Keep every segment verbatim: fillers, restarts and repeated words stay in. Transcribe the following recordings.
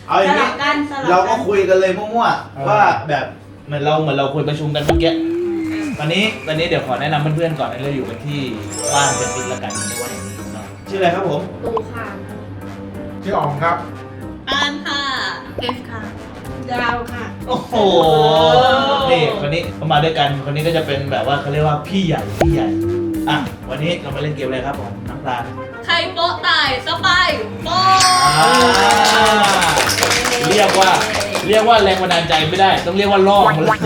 เอาอย่างนี้เราก็คุยกันเลยมั่วๆว่าแบบเหมือนเราเหมือนเราคุยประชุมกันเมื่อกี้ตอนนี้ตอนนี้เดี๋ยวขอแนะนำเพื่อนๆก่อนเราอยู่กันที่บ้านเป็นพิษละกันในวันนี้เนาะชื่ออะไรครับผมตูค่ะชื่ออ๋องครับอานค่ะเกฟค่ะดาวค่ะโอ้โหนี่คนนี้เขามาด้วยกันคนนี้ก็จะเป็นแบบว่าเขาเรียกว่าพี่ใหญ่พี่ใหญ่อ่ะวันนี้เรามาเล่นเกมอะไรครับผมน้ำตาลใครโป๊ะตายสบายโป๊ะอ่าเรียกว่าเรียกว่าแรงบันดาลใจไม่ได้ต้องเรียกว่าล่อมันเลย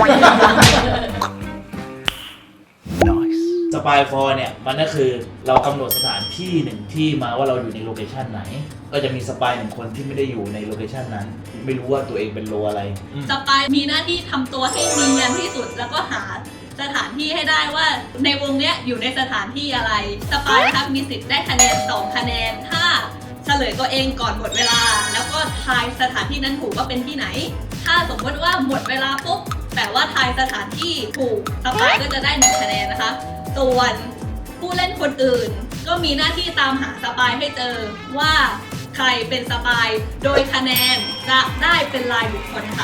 สปายฟอร์เนี่ยมันก็คือเรากำหนดสถานที่หนึ่งที่มาว่าเราอยู่ในโลเคชันไหนก็จะมีสปายหนึ่งคนที่ไม่ได้อยู่ในโลเคชันนั้นไม่รู้ว่าตัวเองเป็นโลอะไรอืมสปายมีหน้าที่ทำตัวให้เนียนที่สุดแล้วก็หาสถานที่ให้ได้ว่าในวงเนี้ยอยู่ในสถานที่อะไรสปายครับมีสิทธิ์ได้คะแนนสองคะแนนถ้าเฉลยตัวเองก่อนหมดเวลา แล้วก็ทายสถานที่นั้นถูกว่าเป็นที่ไหน ถ้าสมมติว่าหมดเวลาปุ๊บแต่ว่าทายสถานที่ถูกสปายก็จะได้หนึ่งคะแนนนะคะส่วนผู้เล่นคนอื่น ก็มีหน้าที่ตามหาสปายให้เจอว่าใครเป็นสปายโดยคะแนนจะได้เป็นรายบุคคลค่ะ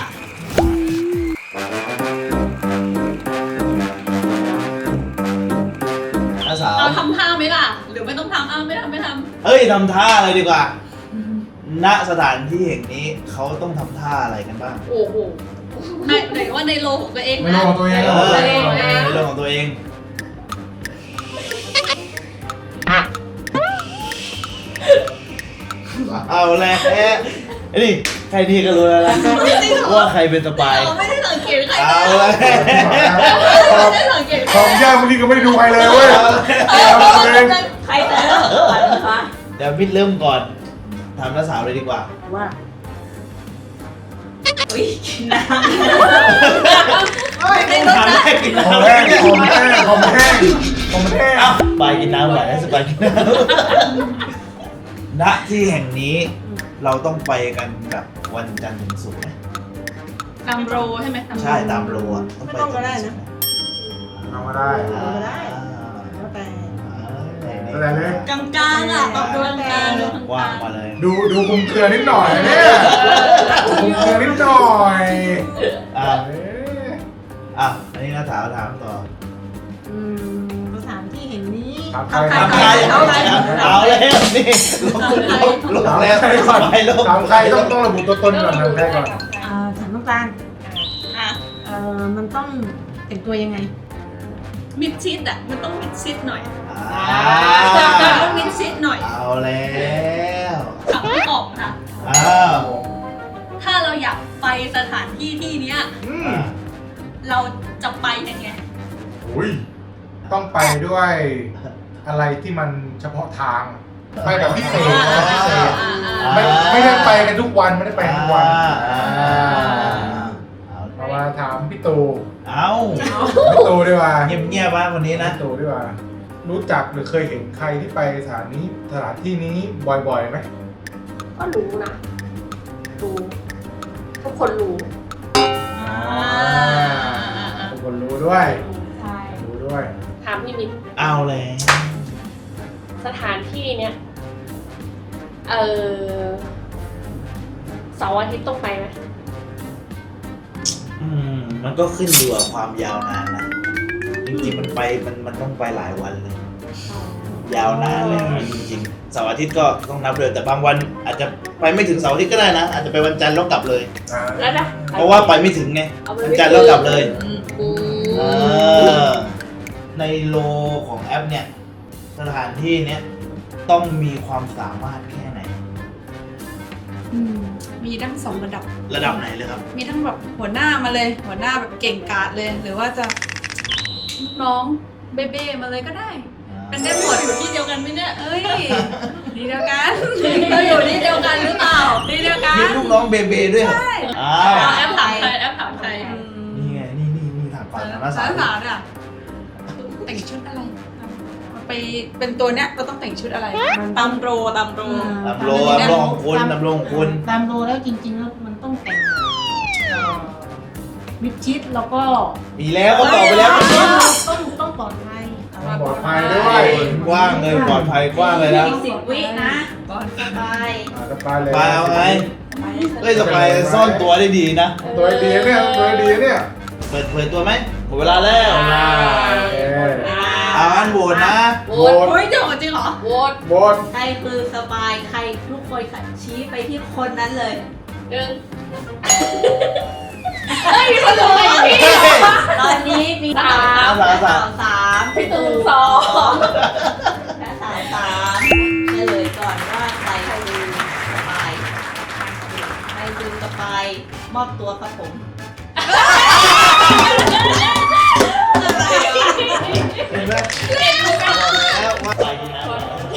น้าสาวเอาทำท่าไหมล่ะ หรือไม่ต้องทำเอาไม่ทำไม่ทำเฮ้ยทำท่าอะไรดีกว่า ณสถานที่แห่งนี้เขาต้องทำท่าอะไรกันบ้างโอ้โหไหนไหนว่าในโลของตัวเองไม่นะรู้ของตัวเองเอเหรออตัวเองนะในเรื่องของตัวเอง เอาแล้วไอ้นี่ใครดีก็รู้แล้วนะว่าใครเป็นสปายเราไม่ได้สังเกตใครเอาเลแล้ยว ไม่ได้สังเกตของยากบางทีก็ไม่ได้ดูใครเลยเว้ยเออเอาตัวเองใครแต่ละคนนะคะเดี๋ยวพี่เริ่มก่อนถามน้าสาวเลยดีกว่าว่าอุ้ยกินน้ำในรถถามนะแรกกินของน้ำแห้งของแห้งของแห้งของแห้งเอ้าสปายกินน้ำไหวนะสปายกินน้ำณที่แห่งนี้เราต้องไปกันแบบวันจันทร์ถึงศุกร์ไหมตามโรใช่ไหมใช่ตามโลอ่ะต้องไปจันทร์ถึงศุกร์เอามาได้อ่าได้ แล้วแต่แสดงเลยกลางกลางอ่ะตอบตัวกลางๆดูว่างมาเลยดูดูคุมเครือนิดหน่อยเนี่ยคุมเครือนิดหน่อยอ่ะเอ๊ะอ่ะอันนี้น้าสาวถามต่ออืมสถานที่แห่งนี้ถามใครถามใครเอาใครเอาแล้วนี่ลงลงแล้วไปลงถามใครต้องต้องระบุตัวตนก่อนถามใครก่อนอ่าถามน้ำตาลอ่ะเอ่อมันต้องแต่งตัวยังไงมิดชิดอ่ะมันต้องมิดชิดหน่อยอ่าต้องมิดชิดหน่อยเอาแล้วถามไม่ออกค่ะอ้าวถ้าเราอยากไปสถานที่ที่เนี้ยอืมอ่ะเราจะไปยังไงอุ้ยต้องไปด้วยอะไรที่มันเฉพาะทาง ไปแบบพิเศษนะพิเศษ ไม่ไม่ได้ไปกันทุกวันไม่ได้ไปทุกวันอ่าอ่าเอาเอามาถามพี่ตูเอาพี่ตูดีกว่าเงียบเงียบๆบ้างวันนี้นะพี่ตูดีกว่า รู้จักหรือเคยเห็นใครที่ไปสถานนี้สถานที่นี้บ่อยๆไหมก็รู้นะรู้ทุกคนรู้ทุกคนรู้ด้วยใช่รู้ด้วยถามพี่มิตรเอาแล้วสถานที่เนี้ยเออเสาร์อาทิตย์ต้องไปไหมอืมมันก็ขึ้นอยู่กับความยาวนานนะจริงๆมันไปมันมันต้องไปหลายวันเลย ยาวนานเลยนะจริงๆเสาร์อาทิตย์ก็ต้องนับเลยแต่บางวันอาจจะไปไม่ถึงเสาร์อาทิตย์ก็ได้นะอาจจะไปวันจันทร์แล้วกลับเลยอ่าแล้วนะเพราะว่าไปไม่ถึงไงเอาไปวันจันทร์แล้วกลับเลยอืมอืเอมอในโลของแอปเนี่ยสถานที่เนี้ยต้องมีความสามารถแค่ไหนอืมมีทั้งสองระดับระดับไหนเลยครับมีทั้งแบบหัวหน้ามาเลย หัวหน้าแบบเก่งกาจเลย หรือว่าจะลูกน้องเบ้ๆมาเลยก็ได้ เป็นได้หมดอยู่ที่เดียวกันไหมเนี่ยเอ้ยดีเดียวกันเราอยู่ที่เดียวกันหรือเปล่าดีเดียวกันมีลูกน้องเบเบด้วยเหรออ้าวเอาแอปถามใครแอปถามใครอืมนี่ไงนี่นี่นี่ถามก่อนถามน้าสาสาว วสาวเนี่ยแต่งชุดอะไรเอาไปเป็นตัวเนี้ยเราต้องแต่งชุดอะไรตามโรตามโรลำโลลำโลของคุณลำโลของคุณตามโลแล้วจริงๆแล้วมันต้องแต่งเอ่อมิดชิดแล้วก็มีแล้วก็ตอบไปแล้วต้องต้องปลอดภัยปลอดภัยด้วยกว้างเลยปลอดภัยกว้างเลยนะอีกสิบวินะก่อนสบายอ่าจะไปเลยไปเอาไงเเฮ้ยสปายซ่อนตัวได้ดีนะตัวดีเนี่ยตัวดีเนี่ยเปิดเผยตัวไหมหมดเวลาแล้วอ่าโอเคเอาอันโหวตนะโหโหววตตเฮ้ยเดี๋ยวจริงเหรอโหวตโหวตใครคือสปายใครทุกคนค่ะชี้ไปที่คนนั้นเลยหนึ่งเฮ้ยมีคนรู้ไหมพี่ตอนนี้มีสามสาวสาวสามพี่ตูนสองและสาวสามเฉลยก่อนว่าใครคือสปายใครคือสปายมอบตัวครับผมเห็นไหมแล้วว่าใส่กินน้ำ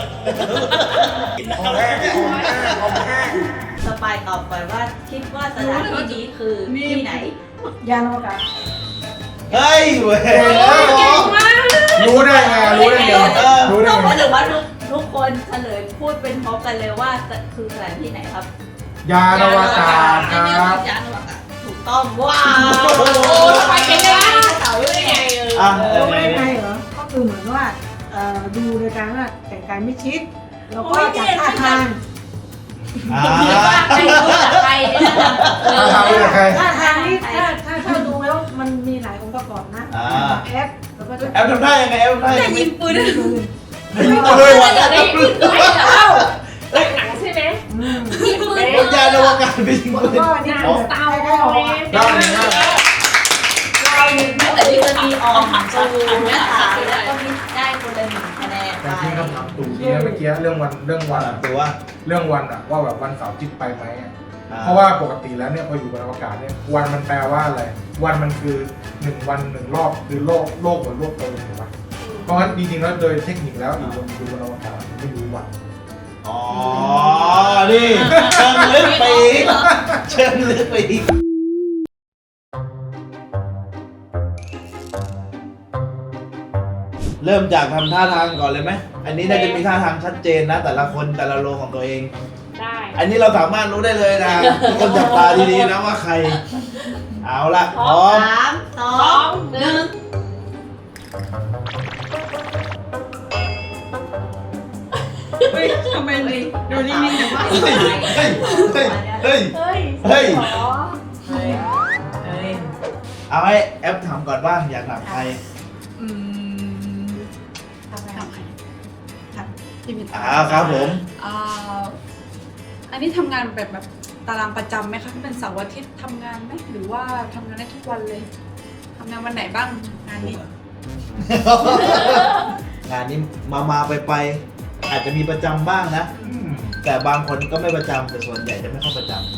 ของแห้งของแห้งของแห้งสปายตอบก่อนว่าคิดว่าสถานที่นี้คือที่ไหนยานอวกาศเฮ้ยเว้ยรู้ได้ไงรู้ได้ไงรู้ได้ต้องไงหรือว่าทุกทุกคนเฉลยพูดเป็นพร้อมกันเลยว่าคือสถานที่ไหนครับยานอวกาศครับยานอวกาศถูกต้องว้าวโอ้ทำไมเป็นได้เสาได้ไงเอออ่ะรู้ได้ไงเหรอ ก็คือเหมือนว่าเอ่อดูโดยการว่าแต่งกายไม่ชิด แล้วก็จากท่าทางอ่าใครรู้จักใครเนี่ยนะถ้าทำไม่ได้ใครท่าทางนี่ถ้าถ้าถ้าดูแล้วมันมีหลายองค์ประกอบนะอ่าแอปแล้วก็จะแอปทำได้ยังไงแอปทำได้ยังไงยิงปืนปืนเฮ้ยวันเดี๋ยวนี้ไม่เดี๋ยวเล่าจากหนังใช่ไหมอืมมีปืนยานอวกาศไปยิงแล้วปืนก็นี่คือแบบใกล้ๆออกอะได้เลยนะเราไม่แต่ที่จะมีออมจูและถามแล้วก็มีได้คนละหนึ่งคะแนนแต่ไปที่คำถามตู่ที่เมื่อกี้เรื่องวันเรื่องวันอะตัวเรื่องวันอะว่าแบบวันเสาร์อาทิตย์ไปไหมอะอ่เพราะว่าปกติแล้วเนี่ยพออยู่บนอวกาศเนี่ยวันมันแปลว่าอะไร วันมันคือหนึ่งวันหนึ่งรอบคือโลกโลกเหมือนโลกเติมถูกไหมเพราะงั้นจริงๆแล้วโดยเทคนิคแล้วอยู่บนอยู่บนอวกาศไม่รู้วันอ๋อ นี่เชิงลึกไปอีกเชิงลึกไปอีกเริ่มจากทำท่าทางก่อนเลยไหม อันนี้น่าจะมีท่าทางชัดเจนนะ แต่ละคนแต่ละโลของตัวเองได้อันนี้เราสามารถรู้ได้เลยนะทุกคนจับตาดีๆนะว่าใคร เอาละพร้อมสามสอสอง งหนึ่งเฮ้ยทำไมเลยดูนิ่งๆจังวะเฮ้ย เฮ้ย เฮ้ย เฮ้ยเฮ้ยเฮ้ยหรอเฮ้ยเฮ้ยเอาให้แอปถามก่อนบ้างอยากถามใครอืมทำใครทำใครทำที่มีอ่าครับผมอ่าอันนี้ทำงานแบบแบบตารางประจำไหมคะเป็นเสาร์อาทิตย์ทำงานไหมหรือว่าทำงานได้ทุกวันเลยทำงานวันไหนบ้างงานนี้งานนี้มามาไปไปอาจจะมีประจำบ้างนะอืมแต่บางคนก็ไม่ประจำแต่ส่วนใหญ่จะไม่เข้าประจำ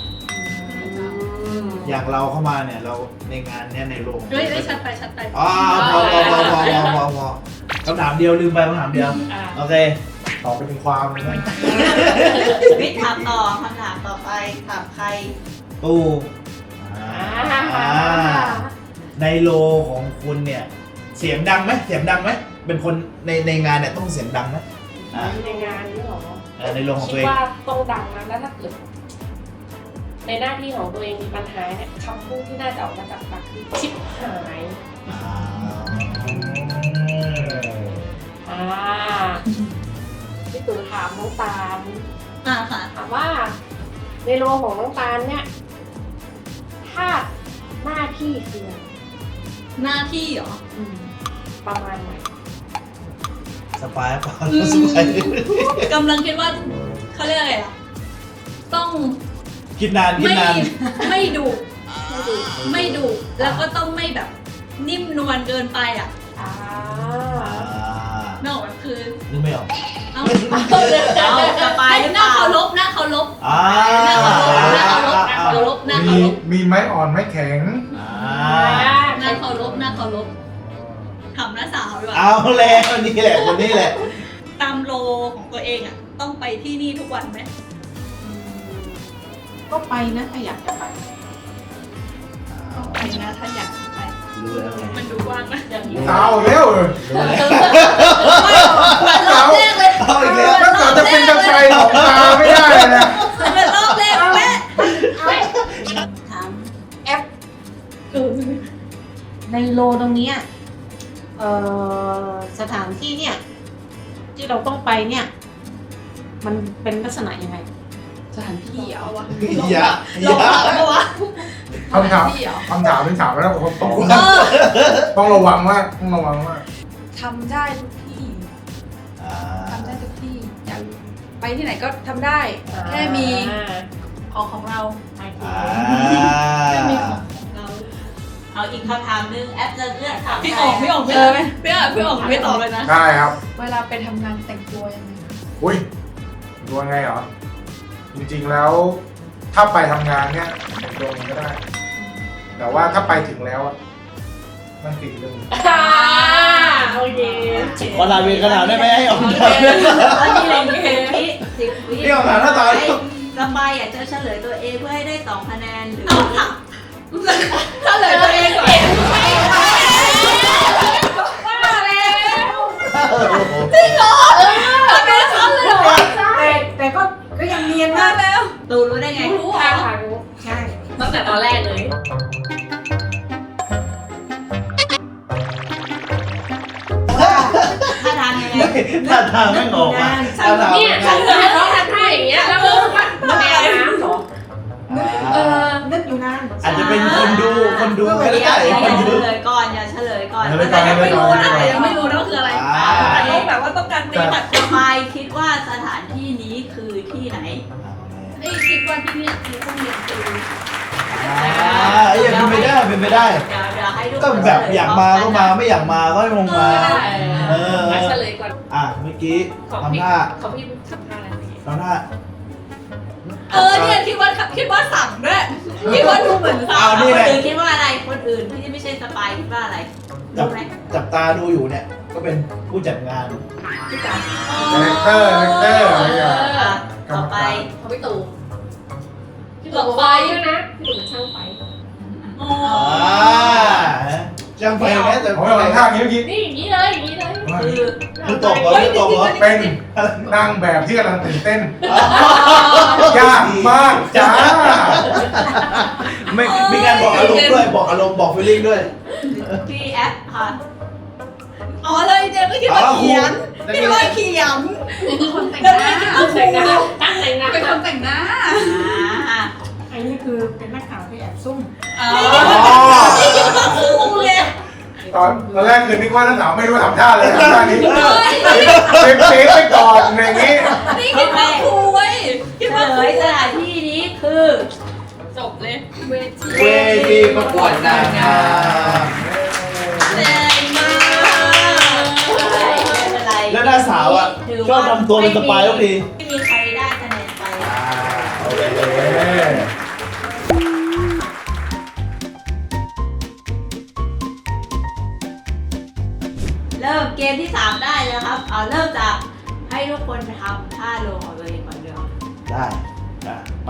อย่างเราเข้ามาเนี่ยเราในงานเนี่ยในโรงเฮ้ยได้ชัดไปชัดไปอ๋อพอพอพอพอพอพอพอคำถามเดียวลืมไปคำถามเดียวอ่าโอเคต่อเป็นความเลยนะวิทย์ถามต่อคำถามต่อไปถามใครตู้อ่าอ่าในโลของคุณเนี่ย เสียงดังไหมเสียงดังไหมเป็นคนในในงานเนี่ยต้องเสียงดังไหมอ่าในงานนี้หรอเออในโลของคิตัดวเองว่าต้องดังนะแล้วถ้าเกิดในหน้าที่ของตัวเองมีปัญหาเนี่ยคำพูดที่น่าจะออกมาจากปากคือชิบหายอ่าอ่าพี่ตู่ถามน้องตาลอ่าค่ะถามว่า ในโลของน้องตาลเนี่ยถ้าหน้าที่คืออะไรหน้าที่เหรออืมประมาณไหนสปายเปล่าอืมสปายกำลังคิดว่าเขาเรียกอะไรอ่ะต้องคิดนานคิดไม่นานไม่ดุไม่ดูไม่ดุแล้วก็ต้องไม่แบบนิ่มนวลเกินไปอ่ะอ่าอ่าไม่ออกแบบคือนึกไม่ออกเอ้าเอาสบายหน้าเคารพหน้าเคารพอ่าหน้าเคารพหน้าเคารพหน้าเคารพหน้าเคามีรพมีไม้อ่อนไม้แข็งอ่าหน้าเคารพหน้าเคารพทำหน้าสาวดีกว่าเอาแล้วนี่แหละคนนี้แหละตามโลของตัวเองอ่ะ ต้องไปที่นี่ทุกวันไหมก็ไปนะถ้าอยากจะไปต้องไปนะถ้าอยากไปรู้แล้วไงมันดูว่างนะอย่างนี้สาวเร็วเลยรู้แล้วรอบแรกเลยเอาอีกแล้วแล้วสาวจะเป็นจะไปของตาไม่ได้เลยนะเป็นรอบแรกแม่ถามแอปในโลตรงเนี้ยเอ่อสถานที่เนี่ย ที่เราต้องไปเนี่ย มันเป็นลักษณะยังไงสถานที่เหรอวะอย่าลอง ย่ามาปะวะคำถามที่เหรอคำถามเป็นถามแล้วผมตอบเออต้องระวังมากต้องระวังมากทำได้ทุกที่อ่าทำได้ทุกที่อยากไปที่ไหนก็ทำได้ แค่มีของของเราอ่าแค่มีของเราเอาอีกคำถามนึงแอปจะเลือกถามพี่อ๋องพี่อ๋องไม่เจอไหมพี่อ๋องพี่อ๋องไม่ตอบเลยนะได้ครับเวลาไปทำงานแต่งตัวยังไงอุ้ยดูยังไงเหรอ จริงๆแล้ว ถ้าไปทำงานเนี่ยแต่งตัวยังไงก็ได้ แต่ว่าถ้าไปถึงแล้วอะมันติดเรื่องอ่าโอเคขอลาเวรขนาดได้ไหมให้ออกโอมาเคอันนี้เลยสิบวิสิบวินี่ออกมาหน้าตาสบายอยากจะเฉลยตัวเองเพื่อให้ได้สองคะแนนหรือเอาค่ะเฉลยตัวเองก่อนว่าแล้วทำไมฉันเลยเหรอแต่แต่ก็ก็ยังเนียนมากแล้วตูรู้ได้ไงรู้เหรทางอทางรู้ใช่ตั้งแต่ตอนแรกเลยถ้าทางยังไงท่าทางไม่ออกมาท่าทางเนี่ยไม่ฉัอน อกจะต้องทำท่าอย่างเงี้ยแล้วก็มันเป็นอาบน้ำเหรอ เออนึกอยู่นานอาจจะเป็นคนดูคนดูก็เดี๋ยวได้อย่าคนเฉดูลยก่อนอย่าเฉลยก่อนเฉลยก่อนแต่ยังไม่รู้นะเฉลยก่อนแต่ยังไม่รู้นะว่าคืออะไรอ่าแต่ต้องแบบว่าต้องการตีผัดสบายคิดว่าสถานที่นี้คือที่ไหนไอ้ยคิดว่าที่เนี่ยคือต้องเรียนคืออ่าอย่างเป็นไปได้เป็นไปได้เดี๋ยวเดี๋ยวให้ทุกคนก็แบบอยากมาก็มาไม่อยากมาก็ไม่ลงมา เออมาเฉลยก่อนอ่ะเมื่อกี้ของพี่ทำท่าของพี่ทำท่าอะไรเมื่อกี้ทำท่าเออเนี่ยคิดว่าคิดว่าสั่งด้วยคิดว่าดูเหมือนสั่งเอานี่คนแหละอื่นคิดว่าอะไรคนอื่นที่ไม่ใช่สปายคิดว่าอะไรจัรู้บไหมจับตาดูอยู่เนี่ย ก็เป็นผู้จัดงานพี่จ๋าคาแรคเตอร์คาแรคเตอร์อะไรอย่างเงี้ยอ่ะต่อไปของพี่ตู่พี่ตู่ไฟด้วยนะพี่ตู่เป็นช่างไฟโอ้อ่าจังไปไหมแต่ผมกำลังท่าอย่างนี้เมื่อกี้นี่อย่างนี้เลยอย่างนี้เลยคือคือตกเหรอคือตกเหรอเป็นนางแบบที่กำลังตื่นเต้น ยากมากจ้าไม่มีการบอกอารมณ์ด้วยบอกอารมณ์บอกฟีลลิ่งด้วยพี่แอปค่ะอ๋อเลยเจมก็คิดว่าเขียนคิดว่าเขียนคนแต่งแล้วหไม่น้าคิดว่าครูแต่งหน้าตั้งแต่งหน้าเป็นคนแต่งหน้าอ่าอันนี้คือเป็นนักข่าวที่แอบซุ่มอ๋ออ๋อนี่คิดว่าครูไงตอนตอนแรกคือนึกว่านักสาวไม่รู้ทำท่าเลยทำท่านี้เป็นเซฟไปก่อนอย่างนี้นี่คิดว่าครูเว้ยคิดว่าเฉลยสถานที่นี้คือจบเลยเวทีเวทีประกวดนางงามแรงมากไม่เป็นไรแล้วหน้าสาวอ่ะถืชอบทำตัวเป็นสปายทุกทีไม่มีใครได้คะแนนไปอ่าโอเคเริ่มเกมที่สามได้แล้วครับเอาเริ่มจากให้ทุกคนไปทำท่าลงของตัวเองก่อนเดี๋ยวได้ได้ไป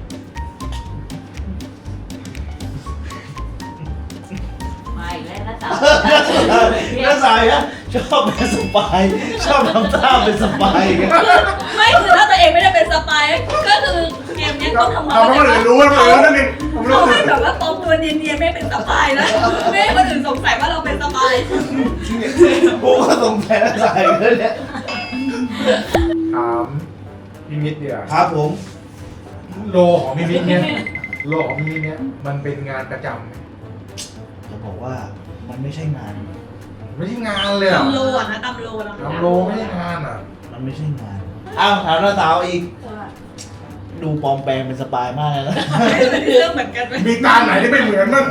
มาอีกแล้วนะจ๊ะน้าสายนะชอบเป็นสปายชอบทำท่าเป็นสปายกันไม่คือถ้าตัวเองไม่ได้เป็นสปายก็คือเกมเนี้ยต้องทำเราไม่คนอื่นรู้ว่าเรารู้นั่นเองผมรู้เขาให้แบบว่าตรงตัวเนียนๆไม่เป็นสปายนะไม่ให้คนอื่นสงสัยว่าเราเป็นสปายกูก็สงสัยน้าสายเลยเนี่ยถามพี่มิตรเดียวครับผมโลของพี่มิตรเนี่ยโลของพี่มิตรเนี่ยมันเป็นงานประจำไหมจะบอกว่ามันไม่ใช่งานไม่ใช่งานเลยเหรอตำโลอ่ะนะตำโลนะทำโลไม่ใช่งานอ่ะมันไม่ใช่งานอ้าวถามน้าสาวอีก ดูปลอมแปลงเป็นสปายมากเลยนะเรื่องเหมือนกันไหมมีการไหนที่ไม่เหมือนมั้ง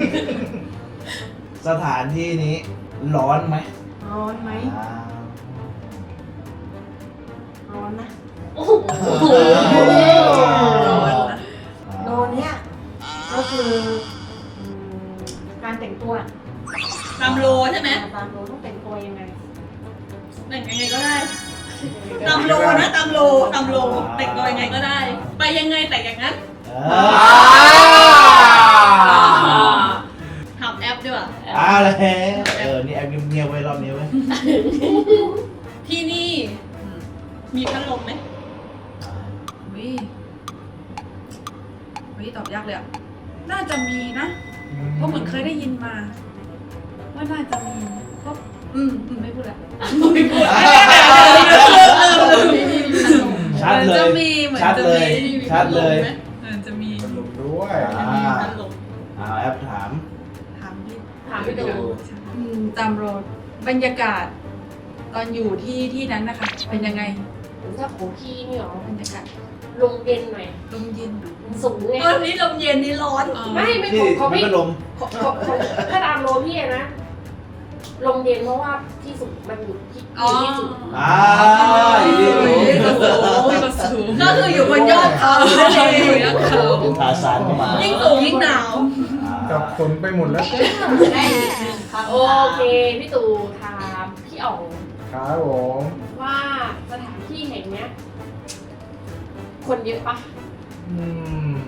สถานที่นี้ร้อนไหมร้อนไหมอ่าร้อนนะโอ้โหโดนเนี้ยก็คืออืมการแต่งตัวตำโลใช่ไหมตามโดนต้องแต่งตัวยังไงแต่งยังไงก็ได้ตำโลนะตำโลตำโลแต่งตัวยังไงก็ได้ ไปยังไงแต่งอย่างนั้นอ่าทำแอปด้วยอ่าแล้วเออนี่แอบเงียบๆไว้รอบนี้ไว้ยที่นี่มีพัดลมไหมวิวิตอบยากเลยอ่ะ น่าจะมีนะ เพราะเหมือนเคยได้ยินมา ว่าน่าจะมีก็อืมอืมไม่พูดละไม่พูดชัดเหมือนเลจะยมีเหมือนชัดจะเลมียมีชัดเลยไหมเหมือนจะมีพัดลมด้วยอ่าพัดลมเอาแอปถามถามพี่ถามพี่ดูอืมตามโรดบรรยากาศ ตอนอยู่ที่ที่นั้นนะคะ เป็นยังไงถ้าของพี่นี่หรอบรรยากาศลมเย็นหน่อยลมเย็นเหรอมันสูงไงเออนี่ลมเย็นนี่ร้อนอ๋อไม่ไม่ที่ของเขามีไม่พัดลมของของของถ้าตามโลพี่อะนะลมเย็นเพราะว่าที่สูงมันอยู่ที่อ๋อที่สูงอ่าอีกทีโอ้ยก็สูงก็สูงก็คืออยู่บนยอดเขานั่นเองยอดเขาเป็นทาซานเข้ามายิ่งสูงยิ่งหนาวอ่าจับฝนไปหมดแล้วได้อีกหนึ่งคำถามโอเคพี่ตู่ถามพี่อ๋องครับผมว่าสถานที่แห่งเนี้ย คนเยอะปะอืม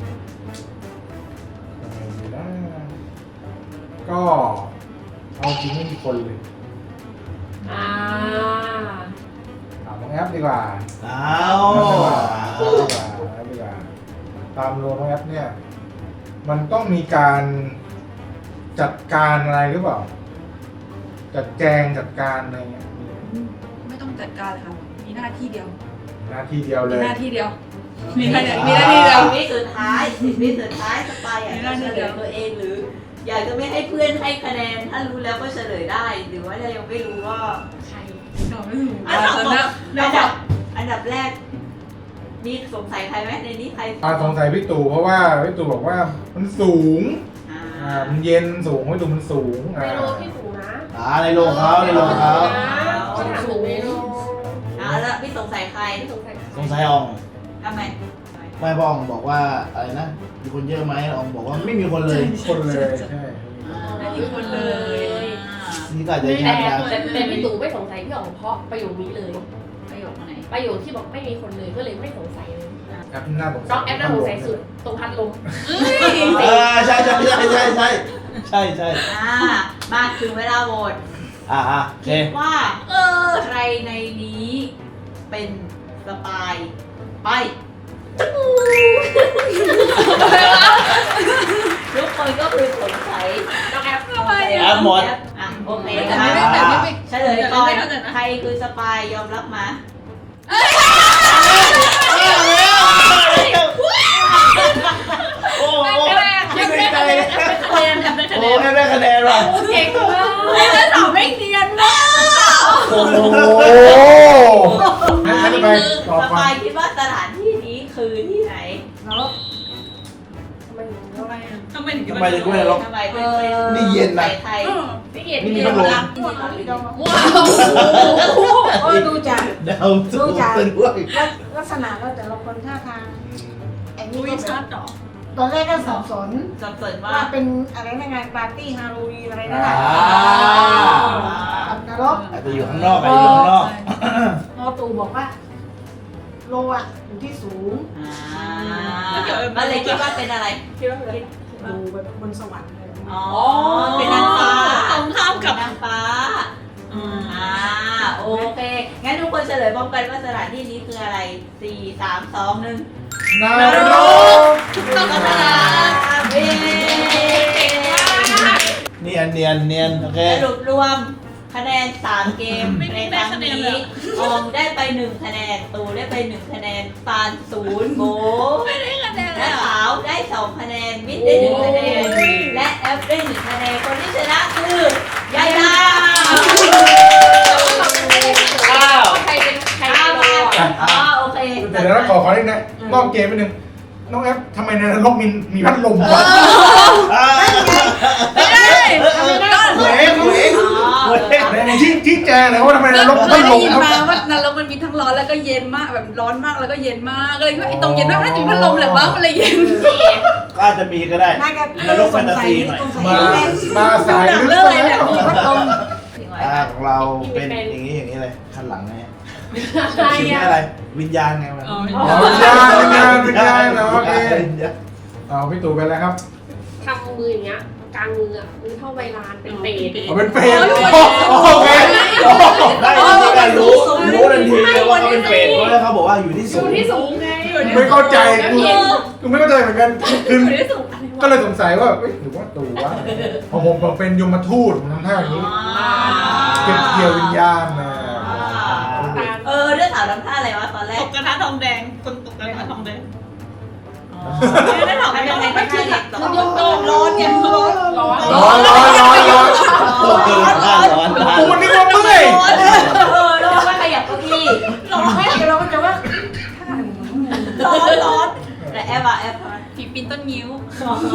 ยังไงดีนะก็เอาจริงไม่มีคนเลยอ่าถามน้องแอปดีกว่าอ้าวแอปดีกว่าแอปดีกว่าแอปดีกว่าตามโลน้องแอปเนี่ย มันต้องมีการจัดการอะไรหรือเปล่า จัดแจงจัดการอะไรเงี้ยมีไม่ต้องจัดการเลยค่ะ มีหน้าที่เดียวหน้าที่เดียวเลมียหน้าที่เดียว มีหน้าที่มีหน้าที่เดียวสิบวิสุดท้ายสิบวิสุดท้ายสปายอยากมีหจะน้าที่เฉลเดียยว ตัวเองหรือ อยากจะไม่ให้เพื่อนให้คะแนน ถ้ารู้แล้วก็เฉลยได้ หรือว่าถ้ายังไม่รู้ก็ใครตอบไม่ถูกอันดับตอนนั้นอันดับอันดับแรกมีสงสัยใครไหมในนี้ใครอาสงสัยพี่ตู่เพราะว่าพี่ตู่บอกว่ามันสูงอ่าอ่า มันเย็นสูงพี่ตู่มันสูงในอ่าโลพี่สูงนะอ่าในโรงเขาในโรงเขาก็ถามถึงในโลอ่าแล้วพี่สงสัยใครพี่สงสัยสงสัยอองทำไมไม่พ่ออองบอกว่าอะไรนะมีคนเยอะไหมอองบอกว่าไม่มีคนเลยคนเลยใช่ไม่มีคนเลยนี่ก็อาจจะแต่ชัดนะแต่แต่พี่ตู่ไม่สงสัยพี่อ๋องเพราะประโยคนี้เลยประโยคไหนประโยคที่บอกไม่มีคนเลยก็เลยไม่สงสัยเลยแอปหน้าสงสัยน้องแอปน่าสงสัยสุดตรงพัดลมเออใช่ใช่ใช่ใช่ใช่ใช่ใช่อ่ามาถึงเวลาโหวตอ่าอ่าโอเคคิดว่า เออใครในนี้เป็นสปายไปทุกคนก็คือสงสัยน้องแอปทำไมแอปหมดอ่ะโอเคแต่นะไม่แต่ไม่ไม่เฉลยก่อนไม่เข้าใจนะใครคือสปายยอมรับมาโอ้โหยังได้คะแนนคะแนนยังได้คะโอ้แนนไม่ได้คะแนนว่ะเก่งมากแล้วสาวไม่เนียนมากโอ้โหงั้นอันจะนี้ไปคือต่อสไปปายคิดว่าสถานที่นี้คือที่ไหนนรกทำไมถึงทำไมอ่ะทำไมถึงทำไมถึงไม่ได้ล็อกทำไมเป็นเป็นนี่เย็นนะไทยพี่เกียรตินี่มีพี่พัดลมรักว้าวโอ้ยดูจากเดาถูกเป็นด้วยลักษณะแล้วแต่ละคนท่าทางไอ้นี่อุ้ยก็ชัดเหรอตอนแรกก็สับสนสับสนว่าว่าเป็นอะไรนะงานปาร์ตี้ฮาโลวีนอะไรนั่นแหอ่าละกับนรกอาจจะอยู่ข้างนอกอาจจะอยู่ข้างนอกพอตูบอกว่าโลอ่ะอยู่ที่สูงอ่าก็เลยคิดว่าเป็นอะไรคิดว่าเป็นอะไรดูแบบบนสวรรค์เลยอ๋อ เป็นนางฟ้าตรงข้ามกับนางฟ้า อ่า โอเค งั้นทุกคนเฉลยพร้อมกันว่าสถานที่นี้คืออะไร สี่ สาม สอง หนึ่งนารกต้องกระดาษเย้เนียนเนียนเนียนโอเคสรุปรวมคะแนน สาม เกมไม่ในได้ครั้งคะแนนนี้เลยออมได้ไป หนึ่ง คะแนน ตูได้ไป หนึ่ง คะแนน ตาลศูนย์โบไม่ได้คะแนนเลและยขาวได้ สอง คะแนน มิดได้ หนึ่ง คะแนน และแอปได้ หนึ่ง คะแนน คนที่ชนะคือยายดาอ้าวใครเป็นใครอ้าเป็นวโลอ่ะอ๋อโอเคแต่เดี๋ยวเราขอขอนิดนะนอกเกมไปหนึ่งน้องแอปทำไมในนรกมีมีพัดลมวะอ่าไม่ได้ไม่ได้เว้ยเว้ยอ๋อในในที่ที่แจงเลยว่าทำไมในนรกเคพัยดลได้มยินครับมาว่านรกมันมีทั้งร้อนแล้วก็เย็นมากแบบร้อนมากแล้วก็เย็นมากเลยว่าไอ้ตรงเย็นมากน่าจะมีพัดลมแหละว่ามันเลยเย็นก็อาจจะมีก็ได้น่าจะนรกแฟนตาซีหน่อยสงสัยมาแม่มาสายลึกเลซะยแล้แบบวมีพัดลมอ่าของเราเป็นอย่างนี้อย่างนี้เลยคันหลังไงใครชื่ออ่ะอะไร วิญญาณไงมันอ๋ออ๋อวิญญาณวิญญาณวิญญาณเหรอโอเคเอาพี่ตู่ไปแล้วครับทำมืออย่างเงี้ยกลางมืออ่ะมือเท่าใบลานเป็นเปรตเอาเป็นเปรตโอ้ยโอเคได้จริงๆอะรู้รู้ทันทีเลยว่าเขาเป็นเปรตเพราะว่าเขาบอกว่าอยู่ที่อสูยู่งที่สูงไงไม่เข้าใจกูกูไม่เข้าใจเหมือนกันคืออยู่ที่สูงอะไรก็วะเลยสงสัยว่าเอ้ยหรือว่าตู่วะพอผมผมเป็นยมทูตผมทำท่าอย่างนี้ เก็บเกี่ยววิญญาณนะตานเออเรื่องสาวทำท่าอะไรวะตอนแรตกกกระทะทองแดงคนตกกระทะทองแดงอ๋อไม่ได้ถามไม่ได้ไม่ใช่เด็กคือโยกโยกร้อนไงร้อนร้อนร้อนร้อนร้อนร้อนร้อนร้อนร้อนร้อนกูนึกว่าเมื่อยเออแล้วว่าขยับเก้าอี้ร้อนไม่เราก็จะว่าร้อนร้อนแต่แอปอะแอปอะผีปีนต้นงิ้วอ๋อ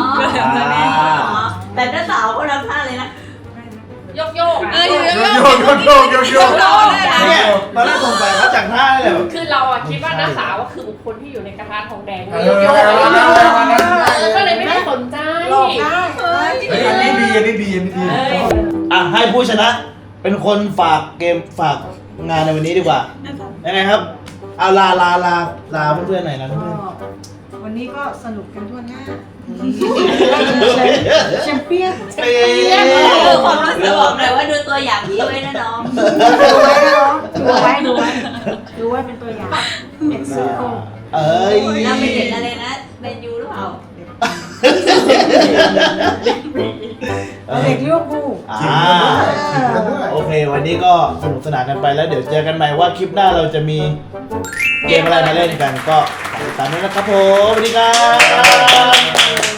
แต่ถ้าสาวก็ทำท่าเลยนะโยกโยกเอออยู่โยเยกอะโยกโยกโยกโยกโยกเนี่ยตอนแรกสงสัยเขาจากท่าเลยแบบคือเราอะคิดว่าน้าสาวก็คือบุคคลที่อยู่ในกระทะทองแดงเอโยอกโยกเก็เลยไม่ได้สนใจหลอกได้ฮ้ยอันนี้ดีอันนี้ดีอันนี้ดีอ่ะให้ผู้ชนะ เป็นคนฝากเกมฝากงานในวันนี้ดีกว่ายังไงครับเอาลาลาลาลาเพื่อนๆหน่อยนะก็เพื่อนวันนี้ก็สนุกกันทั่วหน้าๆแชมเปี้ยนเอ้ยเออความรู้สึกบอกเลยว่าดูตัวอย่างนี้ไว้นะน้องดูไว้นะน้องดูไว้ดูไว้ดูไว้เป็นตัวอย่างเอ็กซ์โซเอ้ยเราเป็นเด็กอะไรนะเบนยูหรือเปล่าเด็กลิเวอร์พูลอ่าจริงกันด้วยโอเค วันนี้ก็สนุกสนานกันไปแล้วเดี๋ยวเจอกันใหม่ว่าคลิปหน้าเราจะมีเกมอะไรมาเล่นกันก็ติดตามด้วยนะครับผมสวัสดีครับ